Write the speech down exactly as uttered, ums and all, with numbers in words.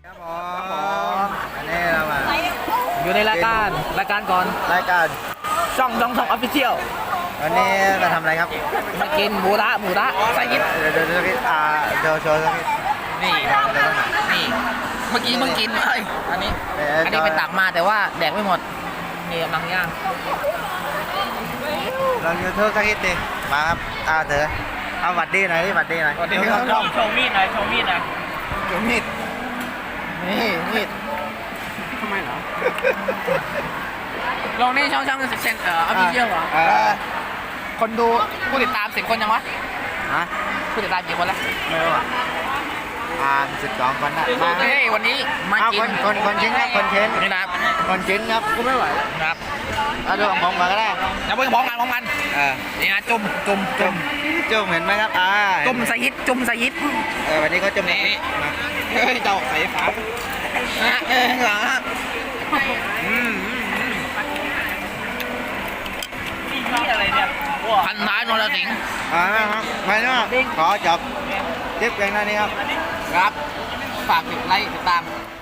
ครับผมอันนี้เรามาอยู่ในรายการรายการก่อนรายการช่องช่องช่องออฟฟิเชียลวันนี้มาทำอะไรครับมากินหมูระหมูระใส่ยิบเดี๋ยวเดี๋ยวเดี๋ยวอ่าเดี๋ยวโชว์สักนิดนี่นี่เมื่อกี้เพิ่งกินเอ้ยอันนี้เดี๋ยวอันนี้ไปตักมาแต่ว่าแดกไม่หมดนี่กำลังย่างลองยูทูบสักนิดดิมาครับอ่าเถอะเอาหวัดดีหน่อยดิหวัดดีหน่อยเดี๋ยวโชว์มีดหน่อยโชว์มีดหน่อยเดี๋ยวมีดนี่มีดทำไมเหรอลงนี่ช่องช่องเซนเอ่อออฟฟิเชียลเหรอเออคนดูผู้ติดตามสิบคนยังวะฮะผู้ติดตามกี่คนละไม่รู้อ่ะอ่าสิบสองคนนะมาเฮ้ยวันนี้มาเอากิคน นคนคนชิ้นครับคนชิ้นนี่นะครับคนชิ้นครับกูไม่ไหวครับเอาดูของผมมาก็ได้แล้วเพิ่งพร้อมกันพร้อมกันเออนี่นะจุ่มจุ่มจุ่มจุ่มเห็นไหมครับอ่าจุ่มสยิดจุ่มสยิดเออวันนี้เขาจุ่มนี่นี่มาเฮ้ยเจ้าใส่ฝานะเออเหรออืมนี่อะไรเนี่ยพันท้ายนรสิงห์อ่าครับมาเนาะขอจบคลิปเพียงเท่านี้ครับครับ ฝากติดไลค์ติดตาม